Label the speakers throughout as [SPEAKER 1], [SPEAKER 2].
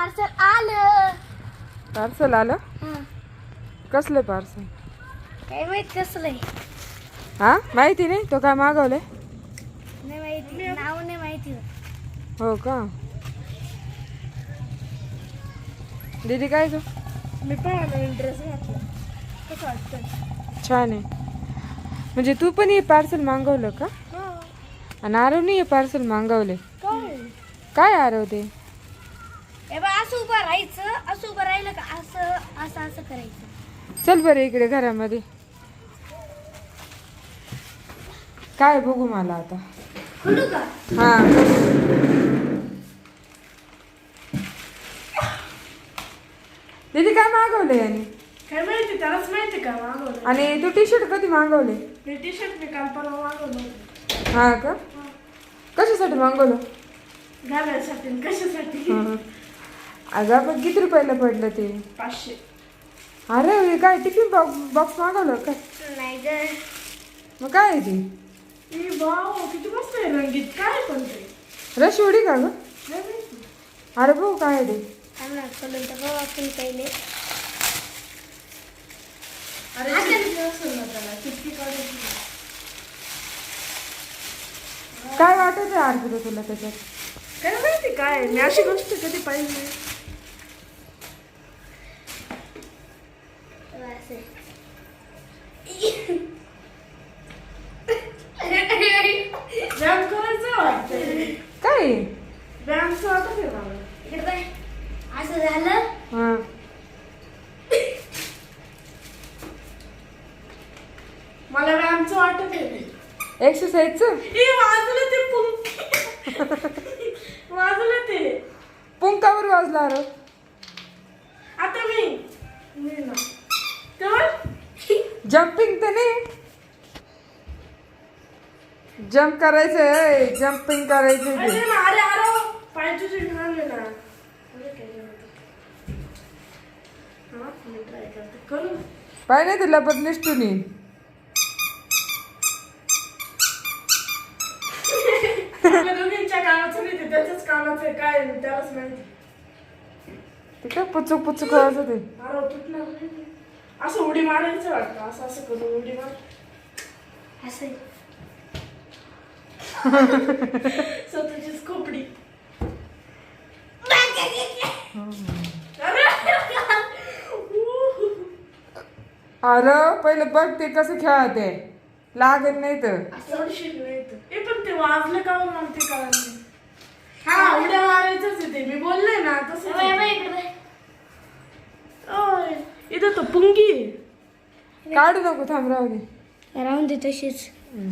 [SPEAKER 1] Parcel आलं.
[SPEAKER 2] Parcel आलं. कसलं पार्सल?
[SPEAKER 1] काय माहित कसलंय.
[SPEAKER 2] हा माहिती नाही. तो काय मागवलंय?
[SPEAKER 1] नाही माहिती, नाव नाही माहिती.
[SPEAKER 2] हो का. दीदी काय ग?
[SPEAKER 1] मी पण नवीन ड्रेस घातला. कसं वाटतं?
[SPEAKER 2] छान आहे. म्हणजे तू पण हे पार्सल मागवलं का? आणि आरवने हे पार्सल मागवले. काय आरव ते?
[SPEAKER 1] असं उभं राहायचं, असं उभं राहिलं का असं असं असं करायचं.
[SPEAKER 2] चल बरं इकडे घरामध्ये. काय बघू मला आता.
[SPEAKER 1] खोलू का?
[SPEAKER 2] हा दीदी काय मागवले यांनी?
[SPEAKER 1] काय माहिती, त्यालाच माहिती का मागवलं.
[SPEAKER 2] आणि तू टी शर्ट कधी मागवले?
[SPEAKER 1] हे टी शर्ट मी काल परवा मागवलं.
[SPEAKER 2] हा का. कशासाठी मागवलं?
[SPEAKER 1] घालायसाठी. कशासाठी?
[SPEAKER 2] अगं आपण किती रुपयाला पडलं ते?
[SPEAKER 1] 500.
[SPEAKER 2] अरे हे काय टिफिन बॉक्स मागवलं का?
[SPEAKER 1] नाही ग.
[SPEAKER 2] मग काय आहे ते?
[SPEAKER 1] वाव, किती मस्त आहे रंगीत. काय पण ते
[SPEAKER 2] रसवडी का ग?
[SPEAKER 1] नाही माहिती.
[SPEAKER 2] अरे भाऊ काय आहे ते?
[SPEAKER 1] आम्हाला खोलून तर बघ आपण पहिले.
[SPEAKER 3] अरे त्याला किती काढायची.
[SPEAKER 2] काय वाटत आहे अर्पिता तुला त्याच्यात?
[SPEAKER 1] काय माहिती काय. मी अशी गोष्ट कधी पाहिली नाही. व्यायाम करायचं वाटतं.
[SPEAKER 2] काय?
[SPEAKER 1] व्यायामचं वाटत आहे मला. इकडे बाय. असं झालं.
[SPEAKER 2] हा
[SPEAKER 1] मला व्यायामचं वाटत आहे.
[SPEAKER 2] एक्सरसाइजचं
[SPEAKER 1] वाजलं ते पुंक. वाजलं ते.
[SPEAKER 2] पुंकावर वाजला अरे.
[SPEAKER 1] आता मी ना तर
[SPEAKER 2] जम्पिंग तर नाही. जम्प करायचंय. जम्पिंग करायचंय
[SPEAKER 1] अरे
[SPEAKER 2] ते.
[SPEAKER 1] ना, अरे पाय तुझे घाण आहे ना. अरे काय झालं? हा मी ट्राय करते. करू.
[SPEAKER 2] पाय नाही तुला पण निष्ठून येईल.
[SPEAKER 1] आपल्या दोघींच्या कामाचं नाही ते त्याच्याच कामाचं आहे. काय आहे त्यालाच माहिती.
[SPEAKER 2] ते काय पुचूक पुचूक वाजत आहे.
[SPEAKER 1] अरे तुटणार नाही. असं उडी मारायचं वाटतं. असं असं करून उडी मार. असं स्वतःचीच खोपडी.
[SPEAKER 2] अरे पहिलं बघ ते कसं खेळते. लागत नाही तर.
[SPEAKER 1] हे पण ते वाजलं का म्हणून ते कळलं नाही. हा उड्या मारायचंच आहे ते. मी बोलले ना तसं. इथं तो पुंगी आहे.
[SPEAKER 2] काढू नको थांब राहू दे.
[SPEAKER 1] राहून दे तशीच.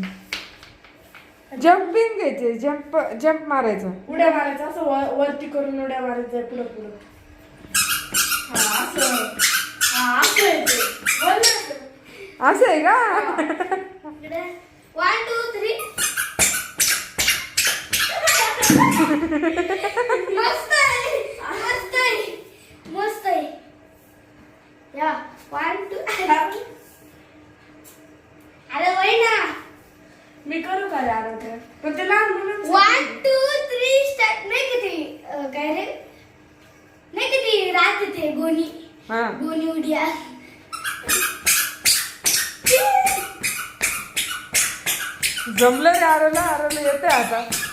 [SPEAKER 2] जम्पिंग घ्यायचे. जम्प मारायचं.
[SPEAKER 1] उड्या मारायचं असं वरती करून उड्या मारायचं पुढं पुढं. हा असं. हा असं आहे ते. बोलले ना ते.
[SPEAKER 2] असं आहे का?
[SPEAKER 1] 1 2 3. मस्त आहे. मस्त आहे. मस्त आहे. या 1 2. अरे वय ना. मी करू का रे आरोग्य? पण ते लहान मुलं 1 2 3 स्टार्ट. नाही किती काय रे. नाही किती राहते ते गोणी.
[SPEAKER 2] हा
[SPEAKER 1] गोणी उड्या.
[SPEAKER 2] जमलं रे आरोला. आरोला येते आता.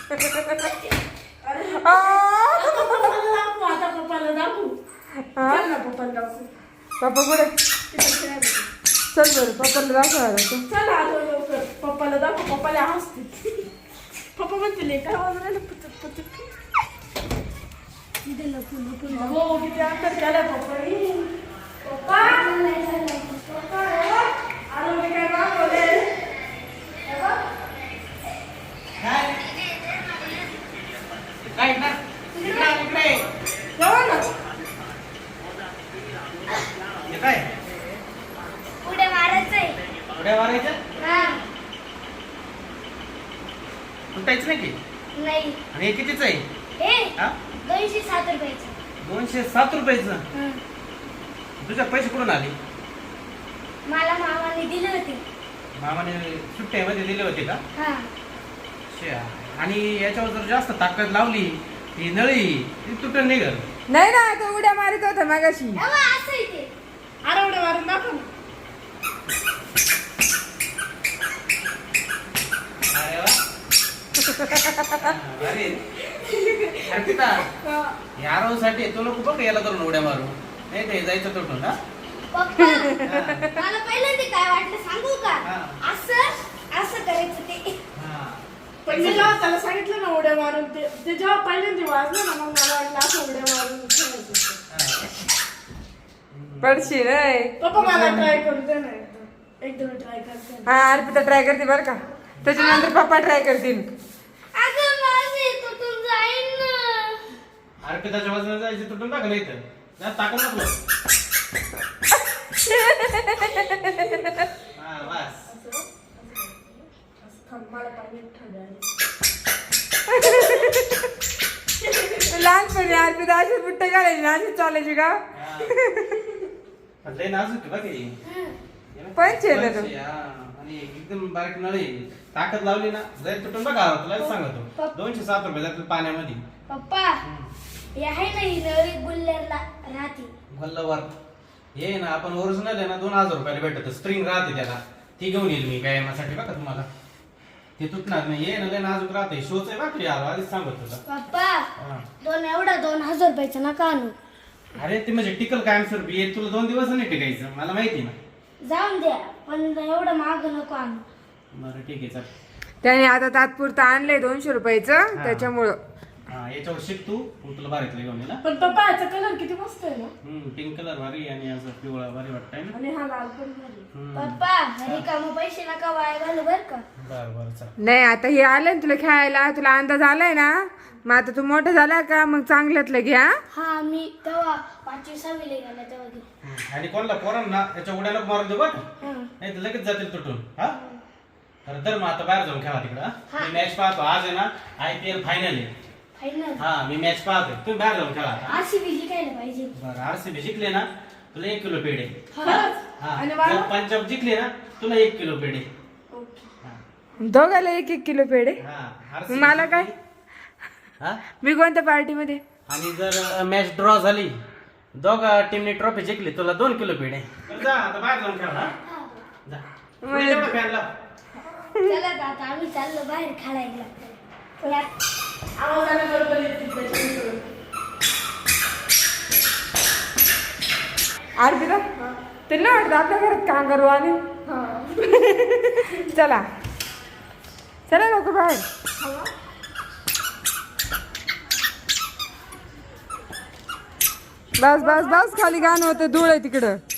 [SPEAKER 1] आता पप्पाला दाखवू. चल ना पप्पाला दाखवू.
[SPEAKER 2] पप्पा कुठे? चल बरं पप्पाला दाखव आरोला.
[SPEAKER 1] चल आता लवकर पप्पाला दाखव. पप्पाला हसते. पप्पा म्हणते काय वाजवायला पुचक पुचक. हो किती अंतर केलाय पप्पानी. पप्पा पप्पा आरोग्य काय मागवले.
[SPEAKER 3] काय ना इकडे
[SPEAKER 1] जेवण ना.
[SPEAKER 3] हे काय
[SPEAKER 1] उड्या मारायचंय.
[SPEAKER 3] उड्या मारायच्या.
[SPEAKER 1] हा
[SPEAKER 3] तुटायचं नाही की.
[SPEAKER 1] नाही.
[SPEAKER 3] आणि हे कितीच आहे?
[SPEAKER 1] हे
[SPEAKER 3] हा
[SPEAKER 1] 207 रुपयाचं.
[SPEAKER 3] 207 रुपयाचं. तुझ्या पैसे कुठून आले?
[SPEAKER 1] मला मामाने दिले होते.
[SPEAKER 3] मामाने सुट्ट्यामध्ये दिले होते का?
[SPEAKER 1] हा.
[SPEAKER 3] अच्छा. आणि याच्यावर जर जास्त ताकद लावली ही नळी ती तुटून निघल.
[SPEAKER 2] नाही ना तो उड्या मारित होता मागाशी.
[SPEAKER 1] एव्हा असं इथे
[SPEAKER 4] अरे उड्या मारून दाखव ना.
[SPEAKER 3] अरे वा. अरे अर्पिता या साठी तू नको बघ याला करून उड्या मारू नाही ते जायचं तुटून हा
[SPEAKER 1] पप्पा मला पहिल्यांदा काय वाटलं सांगू का
[SPEAKER 3] हा.
[SPEAKER 1] असं असं करायचं ते
[SPEAKER 3] हा.
[SPEAKER 4] पण मी जेव्हा त्याला सांगितलं ना उड्या मारून ते जेव्हा पहिल्यांदा वाजलं ना मग मला वाटलं असं उड्या मारून खेळायचं.
[SPEAKER 2] पडशी रे.
[SPEAKER 4] पप्पा मला ट्राय करू दे ना एकदम ट्राय करते.
[SPEAKER 2] हा अर्पिता ट्राय करते बरं का. त्याच्यानंतर पप्पा ट्राय करतील.
[SPEAKER 1] अगं माझे तुटून जाईन ना.
[SPEAKER 3] अर्पिताच्या वजनात जायचं तुटून टाका नाही तर जा टाकून नको हा बस
[SPEAKER 4] थांब, मला पाणी थंड आहे.
[SPEAKER 2] लहानपणी अर्पिता अशी बुट्टे घालायची ना अशीच चालायची का.
[SPEAKER 3] हा. लय नाजूक आहे बघ हे.
[SPEAKER 2] पंच आहे ना तो.
[SPEAKER 3] पंच आहे, हा. आणि एकदम बारीक नळी ताकद लावली ना जर तुटून बघा तुला सांगतो 207 रुपये जातील पाण्यामध्ये.
[SPEAKER 1] पप्पा हे आहे ना ही नळी गुल्लेरला राहते
[SPEAKER 3] गल्लावर हे ना आपण ओरिजिनल आहे ना 2000 रुपयाला भेटत स्प्रिंग राहते त्याला ती घेऊन येईल मी व्यायामासाठी बघा तुम्हाला ते तुटणार नाही हे ना लय नाजूक राहते शोच आहे बाकी यार आधीच सांगत तुला
[SPEAKER 1] पप्पा
[SPEAKER 3] हा.
[SPEAKER 1] 2000 रुपयाचं नका आणू
[SPEAKER 3] अरे ते म्हणजे टिकल कायमस्वरूपी हे तुला 2 दिवस नाही टिकायचं मला माहिती ना.
[SPEAKER 1] जाऊन द्या पण एवढं महाग नको आणू.
[SPEAKER 3] बरं ठीक आहे चल.
[SPEAKER 2] त्याने आता तात्पुरतं आणलंय 200 रुपयाचं त्याच्यामुळं.
[SPEAKER 3] हा याच्यावर शिक तू मग तुला भारीतलं घेऊन येईल
[SPEAKER 4] पण पप्पा याचा कलर किती मस्त आहे ना.
[SPEAKER 3] पिंक कलर भारी आणि असं पिवळा भारी वाटतंय ना.
[SPEAKER 4] आणि हा लाल पण भारी.
[SPEAKER 1] पप्पा रिकाम पैसे नका वाया घालू बर का.
[SPEAKER 3] बरं बरं चल.
[SPEAKER 2] नाही आता हे आलंय ना तुला खेळायला तुला अंदाज आलाय ना मग आता तू मोठा झाला का मग चांगल्यातलं घ्या.
[SPEAKER 1] हा मी तेव्हा 5वी 6वी ला गेला तेव्हा घे.
[SPEAKER 3] आणि कोणला पोरांना त्याच्या उड्या नको मारून देऊ बघ
[SPEAKER 1] हं.
[SPEAKER 3] नाही तर लगेच जातील तुटून हा तर मग आता बाहेर जाऊन खेळा तिकडं मी मॅच पाहतो आज आहे ना IPL फायनल आहे.
[SPEAKER 1] फायनल
[SPEAKER 3] हा मी मॅच पाहतोय तुम्ही बाहेर जाऊन खेळा आता.
[SPEAKER 1] RCB जिंकायला पाहिजे.
[SPEAKER 3] बरं RCB जिंकले ना तुला 1 किलो पेढे.
[SPEAKER 4] खरंच?
[SPEAKER 3] हा
[SPEAKER 4] आणि
[SPEAKER 3] जर
[SPEAKER 4] मला?
[SPEAKER 3] पंजाब जिंकले ना तुला 1 किलो पेढे.
[SPEAKER 4] ओके.
[SPEAKER 3] हा.
[SPEAKER 2] दोघाला 1-1 किलो पेढे.
[SPEAKER 3] हा
[SPEAKER 2] मग
[SPEAKER 3] RCB
[SPEAKER 2] मला काय
[SPEAKER 3] हा
[SPEAKER 2] मी कोणत्या पार्टीमध्ये.
[SPEAKER 3] आणि जर मॅच ड्रॉ झाली दोघा टीमने ट्रॉफी जिंकली तुला 2 किलो पेढे. बरं जा आता बाहेर जाऊन खेळा हा? जा
[SPEAKER 2] म्हणजे-
[SPEAKER 3] तेवढं fan लाव.
[SPEAKER 1] चला तर आता आम्ही चाललो बाहेर खेळायला. चला.
[SPEAKER 4] आवाजाने बरोबर येतील त्याच्यामुळे.
[SPEAKER 2] अर्पिता तुला वाटतं आपल्या घरात काम करू आणि चला चला लोक बाहेर. बस बस बस खाली गाणं होतं धूळ आहे तिकडं.